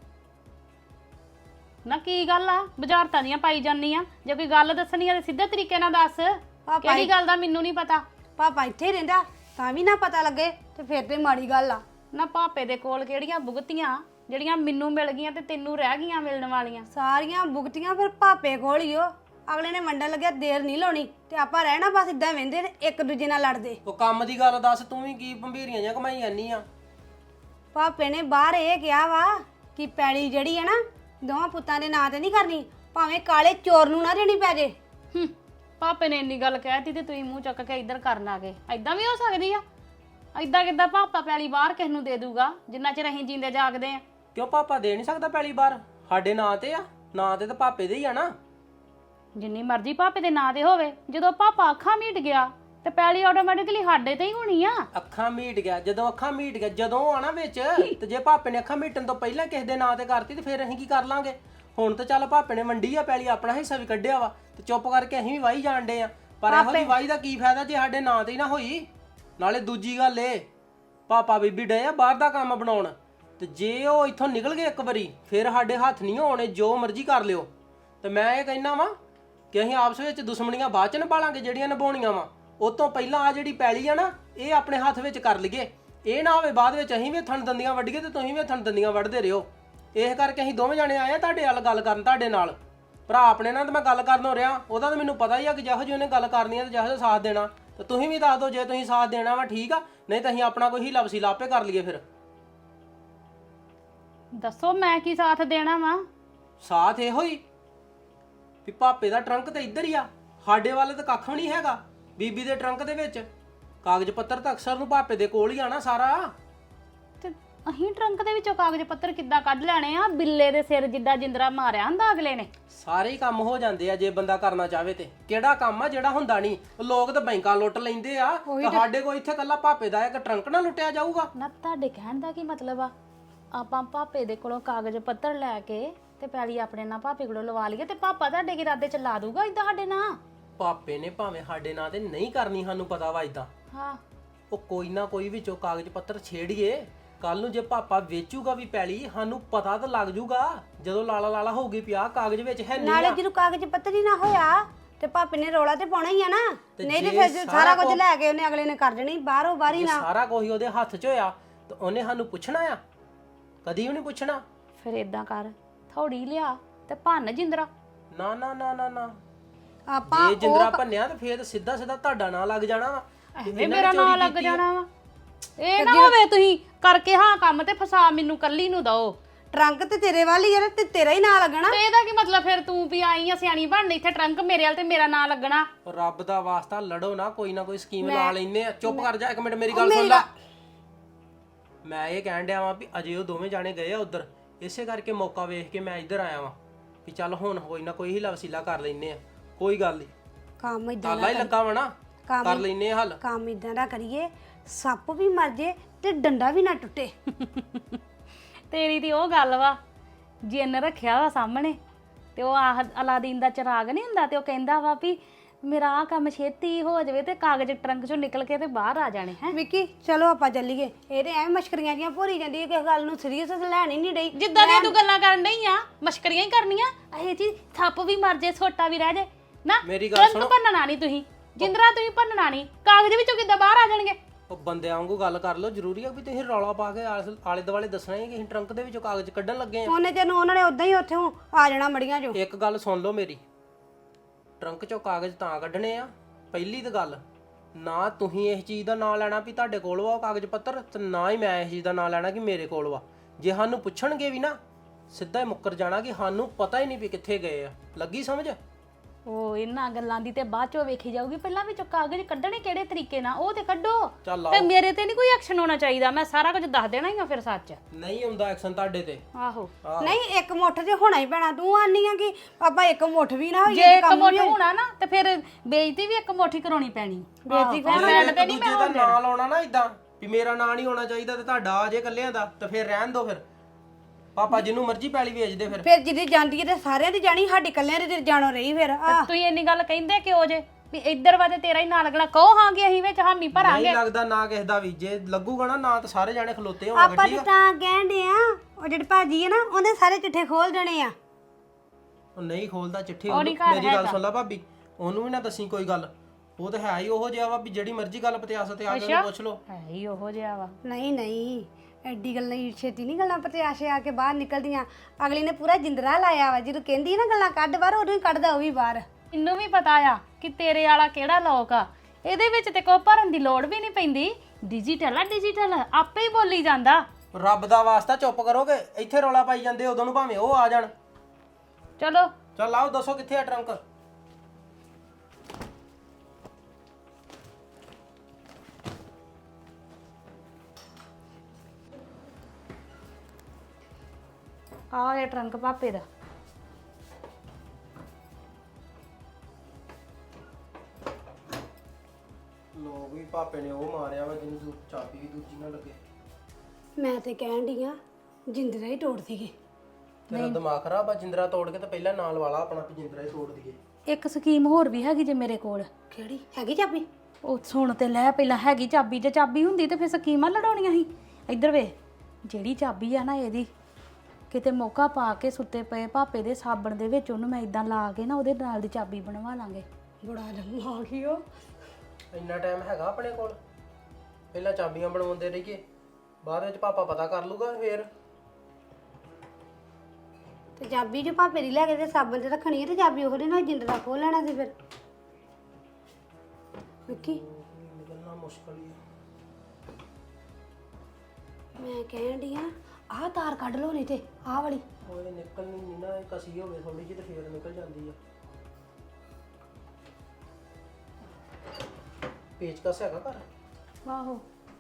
ਨਾ ਕੀ ਗੱਲ ਆ, ਬੁਝਾਰਤਾਂ ਦੀਆਂ ਪਾਈ ਜਾਂਦੀ ਆ? ਜੇ ਕੋਈ ਗੱਲ ਦੱਸਣੀ ਆ ਤੇ ਸਿੱਧੇ ਤਰੀਕੇ ਨਾਲ ਦੱਸ, ਕਿਹੜੀ ਗੱਲ ਦਾ ਮੈਨੂੰ ਨਹੀਂ ਪਤਾ। ਪਾਪਾ ਇੱਥੇ ਰਹਿੰਦਾ ਤਾਂ ਵੀ ਨਾ ਪਤਾ ਲੱਗੇ ਤੇ ਫਿਰ ਤੇ ਮਾੜੀ ਗੱਲ ਆ। ਨਾ ਪਾਪੇ ਦੇ ਕੋਲ ਕਿਹੜੀਆਂ ਭੁਗਤੀਆਂ ਜਿਹੜੀਆਂ ਮੈਨੂੰ ਮਿਲ ਗਈਆਂ ਤੇ ਤੈਨੂੰ ਰਹਿ ਗਈਆਂ ਮਿਲਣ ਵਾਲੀਆਂ? ਸਾਰੀਆਂ ਭੁਗਤੀਆਂ ਫਿਰ ਪਾਪੇ ਕੋਲ ਹੀ ਓ। ਅਗਲੇ ਨੇ ਵੰਡਣ ਲੱਗਿਆ ਦੇਰ ਨਹੀਂ ਲਾਉਣੀ ਤੇ ਆਪਾਂ ਰਹਿਣਾ ਬਸ ਇਦਾਂ ਵਹਿੰਦੇ ਤੇ ਇੱਕ ਦੂਜੇ ਨਾਲ ਲੜਦੇ। ਉਹ ਕੰਮ ਦੀ ਗੱਲ ਦੱਸ, ਤੂੰ ਵੀ ਕੀ ਭੰਬੀਰੀਆਂ ਜਾਂ ਕਮਾਈ ਜਾਂਦੀ ਆ? ਪਾਪੇ ਨੇ ਬਾਹਰ ਇਹ ਕਿਹਾ ਵਾ ਕਿ ਪੈਲੀ ਜਿਹੜੀ ਹੈ ਨਾ ਦੋਵਾਂ ਪੁੱਤਾਂ ਦੇ ਨਾਂ ਤੇ ਨਹੀਂ ਕਰਨੀ, ਭਾਵੇਂ ਕਾਲੇ ਚੋਰ ਨੂੰ ਨਾ ਦੇਣੀ ਪੈ ਜੇ। ਪਾਪੇ ਨੇ ਇੰਨੀ ਗੱਲ ਕਹਿਤੀ ਤੇ ਤੁਸੀਂ ਮੂੰਹ ਚੱਕ ਕੇ ਇੱਧਰ ਕਰਨ ਆ ਗਏ। ਐਦਾਂ ਵੀ ਹੋ ਸਕਦੀ ਆ? ਐਦਾਂ ਕਿੱਦਾਂ ਪਾਪਾ ਪੈਲੀ ਬਾਹਰ ਕਿਸ ਨੂੰ ਦੇ ਦੂਗਾ ਜਿੰਨਾ ਚਿਰ ਅਸੀਂ ਜੀਂਦੇ ਜਾਗਦੇ ਆ? ਕਿਉਂ ਪਾਪਾ ਦੇ ਨਹੀਂ ਸਕਦਾ ਪੈਲੀ ਬਾਹਰ? ਸਾਡੇ ਨਾਂ ਤੇ ਆ, ਨਾਂ ਤੇ ਤਾਂ ਪਾਪੇ ਦੇ ਹੀ ਆ ਨਾ। ਜਿੰਨੀ ਮਰਜ਼ੀ ਪਾਪੇ ਦੇ ਨਾਂ ਤੇ ਹੋਵੇ, ਜਦੋਂ ਪਾਪਾ ਅੱਖਾਂ ਮੀਟ ਗਿਆ ਤੇ ਪੈਲੀ ਆਟੋਮੈਟਿਕਲੀ ਸਾਡੇ ਤੇ ਹੀ ਹੋਣੀ ਆ। ਅੱਖਾਂ ਮੀਟ ਗਿਆ, ਜਦੋਂ ਅੱਖਾਂ ਮੀਟ ਗਿਆ, ਜਦੋਂ ਆਣਾ ਵਿੱਚ, ਤੇ ਜੇ ਪਾਪੇ ਨੇ ਅੱਖਾਂ ਮੀਟਣ ਤੋਂ ਪਹਿਲਾਂ ਕਿਸੇ ਦੇ ਨਾਂ ਤੇ ਕਰਤੀ ਤੇ ਫਿਰ ਅਸੀਂ ਕੀ ਕਰ ਲਾਂਗੇ? ਹੁਣ ਤਾਂ ਚੱਲ ਪਾਪੇ ਨੇ ਵੰਡੀ ਆ ਪੈਲੀ, ਆਪਣਾ ਹਿੱਸਾ ਵੀ ਕੱਢਿਆ ਵਾ, ਤੇ ਚੁੱਪ ਕਰਕੇ ਅਸੀਂ ਵੀ ਵਾਹੀ ਜਾਣਦੇ ਆ। ਪਰ ਇਹੋ ਜਿਹੀ ਵਾਹੀ ਦਾ ਕੀ ਫਾਇਦਾ ਜੇ ਸਾਡੇ ਨਾਂ ਤੇ ਹੀ ਨਾ ਹੋਈ? ਨਾਲੇ ਦੂਜੀ ਗੱਲ ਏ, ਪਾਪਾ ਬੀਬੀ ਡੇ ਆ ਬਾਹਰ ਦਾ ਕੰਮ ਬਣਾਉਣ, ਤੇ ਜੇ ਉਹ ਇੱਥੋਂ ਨਿਕਲ ਗਏ ਇੱਕ ਵਾਰੀ ਫਿਰ ਸਾਡੇ ਹੱਥ ਨਹੀਂ ਆਉਣੇ, ਜੋ ਮਰਜ਼ੀ ਕਰ ਲਿਓ। ਤੇ ਮੈਂ ਇਹ ਕਹਿਣਾ ਵਾ ਕਿ ਅਸੀਂ ਆਪਸ ਵਿੱਚ ਦੁਸ਼ਮਣੀਆਂ ਬਾਅਦ ਚ ਨਿਭਾਲਾਂਗੇ ਜਿਹੜੀਆਂ ਨਿਭਾਉਣੀਆਂ ਵਾ। ਉਹ ਤੋਂ ਪਹਿਲਾਂ ਆ ਜਿਹੜੀ ਪੈਲੀ ਆ ਨਾ, ਇਹ ਆਪਣੇ ਹੱਥ ਵਿੱਚ ਕਰ ਲਈਏ। ਇਹ ਨਾ ਹੋਵੇ ਬਾਅਦ ਵਿੱਚ ਅਸੀਂ ਵੀ ਥਣ ਦੰਦੀਆਂ ਵੱਢੀਏ ਤੇ ਤੁਸੀਂ ਵੀ ਥਣ ਦੰਦੀਆਂ ਵੱਢਦੇ ਰਹੋ। ਇਸ ਕਰਕੇ ਅਸੀਂ ਦੋਵੇਂ ਜਾਣੇ ਆਏ ਆ ਤੁਹਾਡੇ ਨਾਲ ਗੱਲ ਕਰਨ, ਤੁਹਾਡੇ ਨਾਲ। ਭਰਾ ਆਪਣੇ ਨਾਲ ਤਾਂ ਮੈਂ ਗੱਲ ਕਰਨ ਹੋ ਰਿਹਾ, ਉਹਦਾ ਤਾਂ ਮੈਨੂੰ ਪਤਾ ਹੀ ਆ ਕਿ ਜਿਹੋ ਜਿਹੀ ਉਹਨੇ ਗੱਲ ਕਰਨੀ ਆ ਤੇ ਜਿਹੋ ਜਿਹਾ ਸਾਥ ਦੇਣਾ। ਤੇ ਤੁਸੀਂ ਵੀ ਦੱਸ ਦਿਓ ਜੇ ਤੁਸੀਂ ਸਾਥ ਦੇਣਾ ਵਾ, ਠੀਕ ਆ, ਨਹੀਂ ਤਾਂ ਅਸੀਂ ਆਪਣਾ ਕੋਈ ਹੀਲਾ ਵਸੀਲਾ ਆਪੇ ਕਰ ਲਈਏ। ਫਿਰ ਦੱਸੋ ਮੈਂ ਕੀ ਸਾਥ ਦੇਣਾ ਵਾ? ਸਾਥ ਇਹੋ ਹੀ ਵੀ ਪਾਪੇ ਦਾ ਟਰੰਕ ਤਾਂ ਇੱਧਰ ਹੀ ਆ, ਸਾਡੇ ਵੱਲ ਤਾਂ ਕੱਖ ਵੀ ਨਹੀਂ ਹੈਗਾ। ਬੀਬੀ ਦੇ ਟਰੰਕ ਦੇ ਵਿੱਚ ਕਾਗਜ਼ ਪੱਤਰ ਤਾਂ ਅਕਸਰ ਨੂੰ ਪਾਪੇ ਦੇ ਕੋਲ ਹੀ ਆਣਾ ਸਾਰਾ। ਤੇ ਅਸੀਂ ਟਰੰਕ ਦੇ ਵਿੱਚੋਂ ਕਾਗਜ਼ ਪੱਤਰ ਕਿੱਦਾਂ ਕੱਢ ਲੈਣੇ ਆ? ਬਿੱਲੇ ਦੇ ਸਿਰ ਜਿੱਦਾਂ ਜਿੰਦਰਾ ਮਾਰਿਆ ਹੁੰਦਾ ਅਗਲੇ ਨੇ। ਸਾਰੇ ਹੀ ਕੰਮ ਹੋ ਜਾਂਦੇ ਆ ਜੇ ਬੰਦਾ ਕਰਨਾ ਚਾਹਵੇ ਤੇ। ਕਿਹੜਾ ਕੰਮ ਆ ਜਿਹੜਾ ਹੁੰਦਾ ਨਹੀਂ? ਲੋਕ ਤਾਂ ਬੈਂਕਾਂ ਲੁੱਟ ਲੈਂਦੇ ਆ, ਤੇ ਸਾਡੇ ਕੋਲ ਇੱਥੇ ਕੱਲਾ ਪਾਪੇ ਦਾ ਇੱਕ ਟਰੰਕ ਨਾ ਲੁੱਟਿਆ ਜਾਊਗਾ? ਨਾ ਤੁਹਾਡੇ ਕਹਿਣ ਦਾ ਕੀ ਮਤਲਬ ਆ? ਆਪਾਂ ਪਾਪੇ ਦੇ ਕੋਲੋਂ ਕਾਗਜ਼ ਪੱਤਰ ਲੈ ਕੇ ਤੇ ਪੈਲੀ ਆਪਣੇ ਨਾਲ ਪਾਪੇ ਕੋਲੋਂ ਲਵਾ ਲਈਏ ਤੇ ਪਾਪਾ ਤੁਹਾਡੇ ਕੀ ਇਰਾਦੇ ਚ ਲਾ ਦੂਗਾ ਇਦਾਂ ਸਾਡੇ ਨਾਲ? ਪਾਪੇ ਨੇ ਭਾਵੇਂ ਸਾਡੇ ਨਾਂ ਤੇ ਨਹੀਂ ਕਰਨੀ, ਸਾਨੂੰ ਪਤਾ ਵਾ ਇਦਾਂ। ਹਾਂ, ਉਹ ਕੋਈ ਨਾ ਕੋਈ ਵਿੱਚੋਂ ਕਾਗਜ਼ ਪੱਤਰ ਛੇੜੀਏ। ਕੱਲ ਨੂੰ ਜੇ ਪਾਪਾ ਵੇਚੂਗਾ ਵੀ ਪੈਲੀ, ਸਾਨੂੰ ਪਤਾ ਤਾਂ ਲੱਗ ਜੂਗਾ ਜਦੋਂ ਲਾਲਾ ਲਾਲਾ ਹੋਊਗੀ ਪਿਆ ਕਾਗਜ਼ ਵਿੱਚ ਹੈ ਨਹੀਂ। ਨਾਲੇ ਜਦੋਂ ਕਾਗਜ਼ ਪੱਤਰ ਹੀ ਨਾ ਹੋਇਆ ਤੇ ਪਾਪੇ ਨੇ ਰੋਲਾ ਤੇ ਪਾਉਣਾ ਹੀ ਆ ਨਾ, ਨਹੀਂ ਤੇ ਜੇ ਫਿਰ ਸਾਰਾ ਕੁਝ ਲੈ ਕੇ ਉਹਨੇ ਅਗਲੇ ਨੇ ਕਰ ਦੇਣੀ ਬਾਹਰੋਂ ਬਾਹਰੀ ਜੇ ਨਾ। ਸਾਰਾ ਕੁਝ ਉਹਦੇ ਹੱਥ 'ਚ ਹੋਇਆ ਤਾਂ ਉਹਨੇ ਸਾਨੂੰ ਪੁੱਛਣਾ ਆ? ਕਦੀ ਵੀ ਨਹੀਂ ਪੁੱਛਣਾ। ਫਿਰ ਇਦਾਂ ਕਰ, ਥੋੜੀ ਲਿਆ ਤੇ ਭੰਨ ਜਿੰਦਰਾ। ਨਾ ਨਾ ਨਾ ਨਾ ਨਾ, ਆਪਾਂ ਜੇ ਜਿੰਦਰਾ ਭੰਨਿਆ ਤਾਂ ਫੇਰ ਸਿੱਧਾ ਸਿੱਧਾ ਤੁਹਾਡਾ ਨਾਂ ਲੱਗ ਜਾਣਾ ਵਾ। ਐਵੇਂ ਮੇਰਾ ਨਾਂ ਲੱਗ ਜਾਣਾ ਵਾ? ਇਹ ਨਾ ਹੋਵੇ ਤੁਸੀਂ ਕਰਕੇ ਹਾਂ ਕੰਮ ਤੇ ਫਸਾ ਮੈਨੂੰ ਕੱਲੀ ਨੂੰ ਦੋ। ਟਰੰਕ ਤੇ ਤੇਰੇ ਵੱਲ ਹੀ ਆ ਤੇ ਤੇਰਾ ਹੀ ਨਾਂ ਲੱਗਣਾ। ਤੇ ਇਹਦਾ ਕੀ ਮਤਲਬ? ਫਿਰ ਤੂੰ ਵੀ ਆਈ ਆ ਸਿਆਣੀ ਬਣਨ, ਇੱਥੇ ਟਰੰਕ ਮੇਰੇ ਵਾਲ ਤੇ ਮੇਰਾ ਨਾਂ ਲੱਗਣਾ? ਰੱਬ ਦਾ ਵਾਸਤਾ ਲੜੋ ਨਾ, ਕੋਈ ਨਾ ਕੋਈ ਸਕੀਮ ਲਾ ਲੈਨੇ ਆ। ਚੁੱਪ ਕਰ ਜਾ ਇੱਕ ਮਿੰਟ, ਮੇਰੀ ਗੱਲ ਸੁਣ ਲੈ। ਮੈਂ ਇਹ ਕਹਿਣ ਡਿਆ ਵਾਂ ਵੀ ਅਜੇ ਉਹ ਦੋਵੇਂ ਜਾਣੇ ਗਏ ਆ ਉਧਰ, ਇਸੇ ਕਰਕੇ ਮੌਕਾ ਵੇਖ ਕੇ ਮੈਂ ਇੱਧਰ ਆਇਆ ਵਾਂ ਵੀ ਚੱਲ ਹੁਣ ਕੋਈ ਨਾ ਕੋਈ ਹੀਲਾ ਵਸੀਲਾ ਕਰ ਲੈਨੇ ਆ। ਕੋਈ ਗੱਲ ਨਹੀਂ, ਕੰਮ ਇਦਾਂ ਤਾਲਾ ਹੀ ਲੱਗਾ ਵਾ ਨਾ, ਕਰ ਲੈਨੇ ਆ ਹੱਲ। ਕੰਮ ਇਦਾਂ ਦਾ ਕਰੀਏ ਸੱਪ ਵੀ ਮਰ ਜੇ ਤੇ ਡੰਡਾ ਵੀ ਨਾ ਟੁੱਟੇ। ਤੇਰੀ ਦੀ ਉਹ ਗੱਲ ਵਾ ਜਿੰਨ ਰੱਖਿਆ ਵਾ ਸਾਹਮਣੇ ਤੇ ਉਹ ਆਹ ਅਲਾਦੀਨ ਦਾ ਚਿਰਾਗ ਨਹੀਂ ਹੁੰਦਾ ਤੇ ਉਹ ਕਹਿੰਦਾ ਵਾ ਵੀ ਮੇਰਾ ਆਹ ਕੰਮ ਛੇਤੀ ਹੋ ਜਾਵੇ ਤੇ ਕਾਗਜ਼ ਟਰੰਕ ਚੋਂ ਨਿਕਲ ਕੇ ਤੇ ਬਾਹਰ ਆ ਜਾਣੇ ਹੈ। ਵਿੱਕੀ ਚਲੋ ਆਪਾਂ ਚੱਲੀਏ। ਇਹ ਤੇ ਐਵੇਂ ਮਸ਼ਕਰੀਆਂ ਜੀਆਂ ਭੋਰੀ ਜਾਂਦੀ ਹੈ, ਕਿਸੇ ਗੱਲ ਨੂੰ ਸੀਰੀਅਸ ਲੈਣ ਹੀ ਨਹੀਂ ਡਈ। ਜਿੱਦਾਂ ਦੀਆਂ ਤੂੰ ਗੱਲਾਂ ਕਰਨ ਡਈ ਆ ਮਸ਼ਕਰੀਆਂ ਹੀ ਕਰਨੀਆਂ। ਇਹ ਜੀ ਥੱਪ ਵੀ ਮਰ ਜੇ ਛੋਟਾ ਵੀ ਰਹਿ ਜੇ ਨਾ। ਮੇਰੀ ਗੱਲ ਟਰੰਕ ਸੁਣੋ। ਭੰਨਣਾ ਨਹੀਂ ਤੁਸੀਂ, ਜਿੰਦਰਾ ਤੁਸੀਂ ਭੰਨਣਾ ਨਹੀਂ, ਕਾਗਜ਼ ਵਿੱਚੋਂ ਕਿੱਦਾਂ ਬਾਹਰ ਆ ਜਾਣਗੇ। ਉਹ ਬੰਦਿਆਂ ਵਾਂਗੂ ਗੱਲ ਕਰ ਲਓ। ਜ਼ਰੂਰੀ ਆ ਵੀ ਤੁਸੀਂ ਰੌਲਾ ਪਾ ਕੇ ਆਲੇ ਦੁਆਲੇ ਦੱਸਣਾ ਹੀ ਕਿ ਅਸੀਂ ਟਰੰਕ ਦੇ ਵਿੱਚੋਂ ਕਾਗਜ਼ ਕੱਢਣ ਲੱਗੇ ਆ। ਉਹਨੇ ਤੈਨੂੰ ਉਹਨਾਂ ਨੇ ਉਦਾਂ ਹੀ ਉੱਥੋਂ ਆ ਜਾਣਾ ਮੜੀਆਂ ਚੋਂ। ਇੱਕ ਗੱਲ ਸੁਣ ਲਓ ਮੇਰੀ, ਟਰੰਕ ਚੋਂ ਕਾਗਜ਼ ਤਾਂ ਕੱਢਣੇ ਆ। ਪਹਿਲੀ ਤਾਂ ਗੱਲ, ਨਾ ਤੁਸੀਂ ਇਸ ਚੀਜ਼ ਦਾ ਨਾਂ ਲੈਣਾ ਵੀ ਤੁਹਾਡੇ ਕੋਲ ਵਾ ਉਹ ਕਾਗਜ਼ ਪੱਤਰ, ਤੇ ਨਾ ਹੀ ਮੈਂ ਇਸ ਚੀਜ਼ ਦਾ ਨਾਂ ਲੈਣਾ ਕਿ ਮੇਰੇ ਕੋਲ ਵਾ। ਜੇ ਸਾਨੂੰ ਪੁੱਛਣਗੇ ਵੀ ਨਾ, ਸਿੱਧਾ ਹੀ ਮੁੱਕਰ ਜਾਣਾ ਕਿ ਸਾਨੂੰ ਪਤਾ ਹੀ ਨਹੀਂ ਵੀ ਕਿੱਥੇ ਗਏ ਆ। ਲੱਗੀ ਸਮਝ? ਉਹ ਇਹਨਾਂ ਗੱਲਾਂ ਦੀ ਤੇ ਬਾਅਦ ਚੋਂ ਵੇਖੀ ਜਾਊਗੀ। ਪਹਿਲਾਂ ਵਿੱਚੋਂ ਕਾਗਜ਼ ਕੱਢਣੇ ਕਿਹੜੇ ਤਰੀਕੇ ਨਾਲ ਉਹ ਤੇ ਕੱਢੋ। ਚੱਲ ਤੇ ਆਓ। ਮੇਰੇ ਤੇ ਨਹੀਂ ਕੋਈ ਐਕਸ਼ਨ ਹੋਣਾ ਚਾਹੀਦਾ। ਮੈਂ ਸਾਰਾ ਕੁਝ ਦੱਸ ਦੇਣਾ ਹੀ ਆ ਫਿਰ ਸੱਚ। ਨਹੀਂ ਹੁੰਦਾ ਐਕਸ਼ਨ ਤੁਹਾਡੇ ਤੇ। ਆਹੋ ਨਹੀਂ ਇੱਕ ਮੁੱਠ ਤੇ ਹੋਣਾ ਹੀ ਪੈਣਾ। ਤੂੰ ਆਨੀ ਆ ਕਿ ਆਪਾਂ ਇੱਕ ਮੁੱਠ ਵੀ ਨਾ ਹੋਈਏ ਜੇ ਤੇ ਇੱਕ ਕੰਮ ਮੁੱਠ ਵੀ ਹੋਣਾ ਨਾ ਤੇ ਫਿਰ ਬੇਇੱਜ਼ਤੀ ਵੀ ਇੱਕ ਮੁੱਠੀ ਕਰਾਉਣੀ ਪੈਣੀ। ਬੇਇੱਜ਼ਤੀ ਆਹੋ, ਜੇ ਮੈਂ ਇੱਕ ਤੇ ਨਹੀਂ ਦੂਜੇ ਮੈਂ ਦਾ ਹੁਣ ਨਾਂ ਲਾਉਣਾ ਨਾ ਇਦਾਂ ਵੀ ਮੇਰਾ ਨਾਂ ਨਹੀਂ ਹੋਣਾ ਚਾਹੀਦਾ ਤੇ ਤੁਹਾਡਾ ਆ ਜੇ ਇਕੱਲਿਆਂ ਦਾ, ਤੇ ਫਿਰ ਰਹਿਣ ਦਿਓ। ਫਿਰ ਪਾਪਾ ਜਿਹਨੂੰ ਮਰਜ਼ੀ ਪੈਲੀ ਵੇਚ ਦੇ। ਫਿਰ ਜਿਹਦੀ ਜਾਂਦੀ ਹੈ ਤੇ ਸਾਰਿਆਂ ਦੀ ਜਾਣੀ, ਸਾਡੀ ਕੱਲਿਆਂ ਦੀ ਤੇ ਜਾਣੋ ਰਹੀ। ਫਿਰ ਆ ਤੁਸੀਂ ਇੰਨੀ ਗੱਲ ਕਹਿੰਦੇ ਕਿਉਂ ਜੇ ਵੀ ਇੱਧਰ ਵਾ ਤੇ ਤੇਰਾ ਹੀ ਨਾਂ ਲੱਗਣਾ। ਕਹੋ ਹਾਂ ਕਿ ਅਸੀਂ ਵਿੱਚ ਹਾਮੀ ਭਰਾਂਗੇ। ਨਹੀਂ ਲੱਗਦਾ ਨਾ ਕਿਸੇ ਦਾ ਵੀ। ਜੇ ਲੱਗੂਗਾ ਨਾ ਨਾਂ ਤਾਂ ਸਾਰੇ ਜਾਣੇ ਖਲੋਤੇ ਹੋਣਗੇ। ਆਪਾਂ ਠੀਕ ਤੇ ਆ? ਤਾਂ ਕਹਿੰਦੇ ਆ ਉਹ ਜਿਹੜੇ ਭਾਜੀ ਹੈ ਨਾ ਉਹਦੇ ਸਾਰੇ ਚਿੱਠੇ ਖੋਲ ਦੇਣੇ ਆ। ਉਹ ਨਹੀਂ ਖੋਲਦਾ ਚਿੱਠੀ। ਉਹ ਨੀ ਘਰ ਮੇਰੀ ਗੱਲ ਹੈਗਾ। ਸੁਣ ਲੈ ਭਾਬੀ, ਉਹਨੂੰ ਵੀ ਨਾ ਦੱਸੀ ਕੋਈ ਗੱਲ। ਉਹ ਤਾਂ ਹੈ ਹੀ ਉਹੋ ਜਿਹਾ ਵਾ ਵੀ ਜਿਹੜੀ ਮਰਜ਼ੀ ਗੱਲ ਪਤਿਆਸ ਤੇ ਆ ਕੇ ਉਹਨੂੰ ਪੁੱਛ ਲਓ। ਹੈ ਹੀ ਉਹੋ ਜਿਹਾ ਵਾ। ਨਹੀਂ ਨਹੀਂ ਐਡੀ ਗੱਲ ਨਹੀਂ, ਛੇਤੀ ਨਹੀਂ ਗੱਲਾਂ ਪਤਿਆਸ਼ੇ ਆ ਕੇ ਬਾਹਰ ਨਿਕਲਦੀਆਂ। ਅਗਲੀ ਨੇ ਪੂਰਾ ਜਿੰਦਰਾ ਲਾਇਆ ਵਾ। ਜਦੋਂ ਕਹਿੰਦੀ ਨਾ ਗੱਲਾਂ ਕੱਢ ਬਾਹਰ, ਉਦੋਂ ਹੀ ਕੱਢਦਾ ਉਹ ਵੀ ਬਾਹਰ। ਮੈਨੂੰ ਵੀ ਪਤਾ ਆ ਕਿ ਤੇਰੇ ਵਾਲਾ ਕਿਹੜਾ ਲੋਕ ਆ। ਇਹਦੇ ਵਿੱਚ ਤੇ ਕੋਈ ਭਰਨ ਦੀ ਲੋੜ ਵੀ ਨਹੀਂ ਪੈਂਦੀ। ਡਿਜੀਟਲ ਆ, ਡਿਜੀਟਲ ਆਪੇ ਹੀ ਬੋਲੀ ਜਾਂਦਾ। ਰੱਬ ਦਾ ਵਾਸਤਾ ਚੁੱਪ ਕਰੋਗੇ? ਇੱਥੇ ਰੌਲਾ ਪਾਈ ਜਾਂਦੇ ਉਦੋਂ ਨੂੰ ਭਾਵੇਂ ਉਹ ਆ ਜਾਣ। ਚਲੋ ਚੱਲ ਆਓ, ਦੱਸੋ ਕਿੱਥੇ ਆ ਟਰੰਕ? ਆਹ ਇਹ ਟਰੰਕ ਪਾਪੇ ਦਾ। ਲੋਕ ਵੀ ਪਾਪੇ ਨੇ ਉਹ ਮਾਰਿਆ ਵਾ ਜਿਹਨੂੰ ਚਾਬੀ ਵੀ ਦੂਜੀ ਨਾ ਲੱਗੇ। ਮੈਂ ਤੇ ਕਹਿਣ ਡਈ ਆ ਜਿੰਦਰਾ ਹੀ ਤੋੜ ਸੀਗੇ। ਤੇਰਾ ਦਿਮਾਗ ਖਰਾਬ ਆ। ਜਿੰਦਰਾ ਤੋੜ ਕੇ ਤੇ ਪਹਿਲਾਂ ਨਾਲ ਵਾਲਾ ਆਪਣਾ ਵੀ ਜਿੰਦਰਾ ਹੀ ਤੋੜ ਦਈਏ। ਇੱਕ ਸਕੀਮ ਹੋਰ ਵੀ ਹੈਗੀ ਜੇ ਮੇਰੇ ਕੋਲ। ਕਿਹੜੀ ਹੈਗੀ ਚਾਬੀ? ਉਹ ਸੁਣ ਤੇ ਲੈ ਪਹਿਲਾਂ। ਹੈਗੀ ਚਾਬੀ, ਜੇ ਚਾਬੀ ਹੁੰਦੀ ਤੇ ਫਿਰ ਸਕੀਮਾਂ ਲੜਾਉਣੀਆਂ ਸੀ। ਇੱਧਰ ਵੇ, ਜਿਹੜੀ ਚਾਬੀ ਆ ਨਾ ਇਹਦੀ, ਕਿਤੇ ਮੌਕਾ ਪਾ ਕੇ ਸੁੱਤੇ ਪਏ ਭਾਪੇ ਦੇ ਸਾਬਣ ਦੇ ਵਿੱਚ ਉਹਨੂੰ ਮੈਂ ਇਦਾਂ ਲਾ ਕੇ ਨਾ ਉਹਦੇ ਨਾਲ ਦੀ ਚਾਬੀ ਬਣਵਾ ਲਾਂਗੇ। ਬੜਾ ਲੰਮਾ ਆ ਗਈ ਉਹ। ਇੰਨਾ ਟਾਈਮ ਹੈਗਾ ਆਪਣੇ ਕੋਲ? ਪਹਿਲਾਂ ਚਾਬੀਆਂ ਬਣਵਾਉਂਦੇ ਰਹੀਏ, ਬਾਅਦ ਵਿੱਚ ਪਾਪਾ ਪਤਾ ਕਰ ਲੂਗਾ ਫੇਰ। ਤੇ ਚਾਬੀ ਜੋ ਭਾਪੇ ਦੀ ਲੈ ਕੇ ਤੇ ਸਾਬਣ ਤੇ ਰੱਖਣੀ ਹੈ ਤੇ ਚਾਬੀ ਉਹਦੇ ਨਾਲ ਜਿੰਦਰਾ ਖੋਲ ਲੈਣਾ ਸੀ ਫਿਰ। ਵਿੱਕੀ ਨਿਕਲਣਾ ਮੁਸ਼ਕਲ ਹੀ ਆ। ਮੈਂ ਕਹਿਣ ਡਈ ਆ ਆਹ ਤਾਰ ਕੱਢ ਲਓ ਨਹੀਂ ਤੇ ਆਹ ਵਾਲੀ। ਉਹ ਨਿਕਲਣੀ ਨਹੀਂ ਨਾ, ਕਸੀ ਹੋਵੇ ਥੋੜੀ ਜਿਹੀ ਤੇ ਫੇਰ ਨਿਕਲ ਜਾਂਦੀ ਆ। ਪੇਚਕਸ ਹੈਗਾ ਘਰ? ਆਹੋ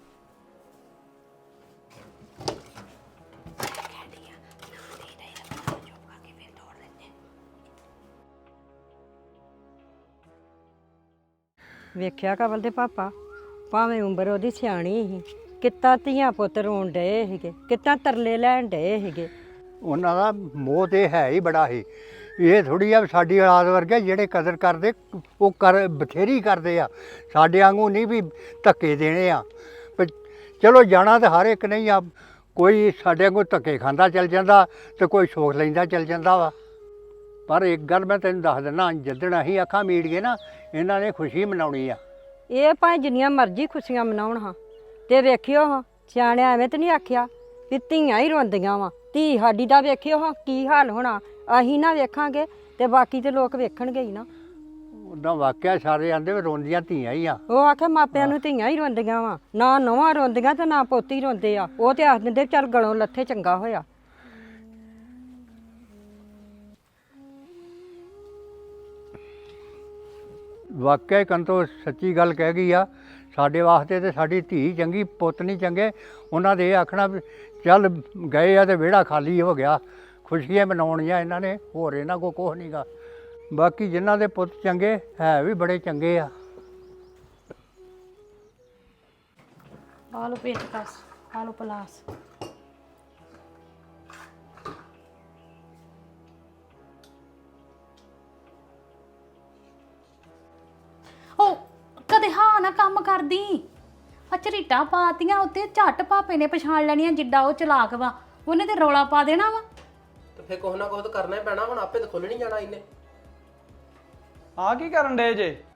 ਵੇਖਿਆ ਕਵਲ ਦੇ ਪਾਪਾ, ਭਾਵੇਂ ਉਮਰ ਉਹਦੀ ਸਿਆਣੀ ਸੀ, ਕਿੱਦਾਂ ਧੀਆਂ ਪੁੱਤ ਰੋਣ ਡਏ ਸੀਗੇ, ਕਿੱਦਾਂ ਤਰਲੇ ਲੈਣ ਡਏ ਸੀਗੇ। ਉਹਨਾਂ ਦਾ ਮੋਹ ਤੇ ਹੈ ਹੀ ਬੜਾ ਸੀ। ਇਹ ਥੋੜੀ ਆ ਵੀ ਸਾਡੀ ਔਲਾਦ ਵਰਗੇ ਜਿਹੜੇ ਕਦਰ ਕਰਦੇ ਉਹ ਕਰ ਬਥੇਰੀ ਕਰਦੇ ਆ। ਸਾਡੇ ਵਾਂਗੂ ਨਹੀਂ ਵੀ ਧੱਕੇ ਦੇਣੇ ਆ। ਪਰ ਚਲੋ ਜਾਣਾ ਤਾਂ ਹਰ ਇੱਕ ਨਹੀਂ ਆ। ਕੋਈ ਸਾਡੇ ਵਾਂਗੂ ਧੱਕੇ ਖਾਂਦਾ ਚੱਲ ਜਾਂਦਾ ਤੇ ਕੋਈ ਸੋਖ ਲੈਂਦਾ ਚੱਲ ਜਾਂਦਾ ਵਾ। ਪਰ ਇੱਕ ਗੱਲ ਮੈਂ ਤੈਨੂੰ ਦੱਸ ਦਿੰਦਾ, ਜਿੱਦਣ ਅਸੀਂ ਅੱਖਾਂ ਮੀਟ ਗਏ ਨਾ, ਇਹਨਾਂ ਨੇ ਖੁਸ਼ੀ ਮਨਾਉਣੀ ਆ। ਇਹ ਭਾਵੇਂ ਜਿੰਨੀਆਂ ਮਰਜ਼ੀ ਖੁਸ਼ੀਆਂ ਮਨਾਉਣ ਹਾਂ, ਤੇ ਵੇਖਿਓ ਹਾਂ ਸਿਆਣਿਆਂ ਐਵੇਂ ਤੇ ਨਹੀਂ ਆਖਿਆ ਵੀ ਧੀਆਂ ਹੀ ਰੋਂਦੀਆਂ ਵਾ। ਧੀ ਸਾਡੀ ਦਾ ਵੇਖਿਓ ਹਾਂ ਕੀ ਹਾਲ ਹੋਣਾ। ਅਸੀਂ ਨਾ ਵੇਖਾਂਗੇ ਤੇ ਬਾਕੀ ਤੇ ਲੋਕ ਵੇਖਣਗੇ ਹੀ ਨਾ। ਉੱਦਾਂ ਵਾਕਿਆ ਸਾਰੇ ਆਂਦੇ ਵੀ ਰੋਂਦੀਆਂ ਧੀਆਂ ਹੀ ਆ। ਉਹ ਆਖੇ ਮਾਪਿਆਂ ਨੂੰ ਧੀਆਂ ਹੀ ਰੋਂਦੀਆਂ ਵਾ, ਨਾ ਨੌਵਾਂ ਰੋਂਦੀਆਂ ਤੇ ਨਾ ਪੋਤੀ ਰੋਂਦੇ ਆ। ਉਹ ਤੇ ਆਖ ਦਿੰਦੇ ਚੱਲ ਗਲੋਂ ਲੱਥੇ ਚੰਗਾ ਹੋਇਆ। ਵਾਕਿਆ ਕੰਤੋ ਸੱਚੀ ਗੱਲ ਕਹਿ ਗਈ ਆ। ਸਾਡੇ ਵਾਸਤੇ ਤੇ ਸਾਡੀ ਧੀ ਚੰਗੀ, ਪੁੱਤ ਨਹੀਂ ਚੰਗੇ। ਉਹਨਾਂ ਦੇ ਇਹ ਆਖਣਾ ਵੀ ਚੱਲ ਗਏ ਆ ਤੇ ਵਿਹੜਾ ਖਾਲੀ ਹੋ ਗਿਆ। ਖੁਸ਼ੀਆਂ ਮਨਾਉਣੀਆਂ ਇਹਨਾਂ ਨੇ, ਹੋਰ ਇਹਨਾਂ ਕੋਲ ਕੁਛ ਨਹੀਂਗਾ। ਬਾਕੀ ਜਿਨ੍ਹਾਂ ਦੇ ਪੁੱਤ ਚੰਗੇ ਹੈ ਵੀ ਬੜੇ ਚੰਗੇ ਆ। ਆ ਲੋ ਪੇਚਕਸ, ਆ ਲੋ ਪਲਾਸ। ਕਦੇ ਹਾਂ ਨਾ ਕੰਮ ਕਰਦੀ। ਆ ਝਰੀਟਾਂ ਪਾਤੀਆਂ ਉੱਤੇ, ਝੱਟ ਭਾਪੇ ਨੇ ਪਛਾਣ ਲੈਣੀਆਂ ਜਿੱਡਾ ਉਹ ਚਲਾਕ ਵਾ, ਉਹਨੇ ਤੇ ਰੌਲਾ ਪਾ ਦੇਣਾ ਵਾ। ਤੇ ਫੇਰ ਕੁਛ ਨਾ ਕੁਛ ਤਾਂ ਕਰਨਾ ਹੀ ਪੈਣਾ, ਹੁਣ ਆਪੇ ਤਾਂ ਖੁੱਲ ਨਹੀਂ ਜਾਣਾ ਇਹਨੇ। ਆ ਕੀ ਕਰਨ ਡੇ ਜੇ?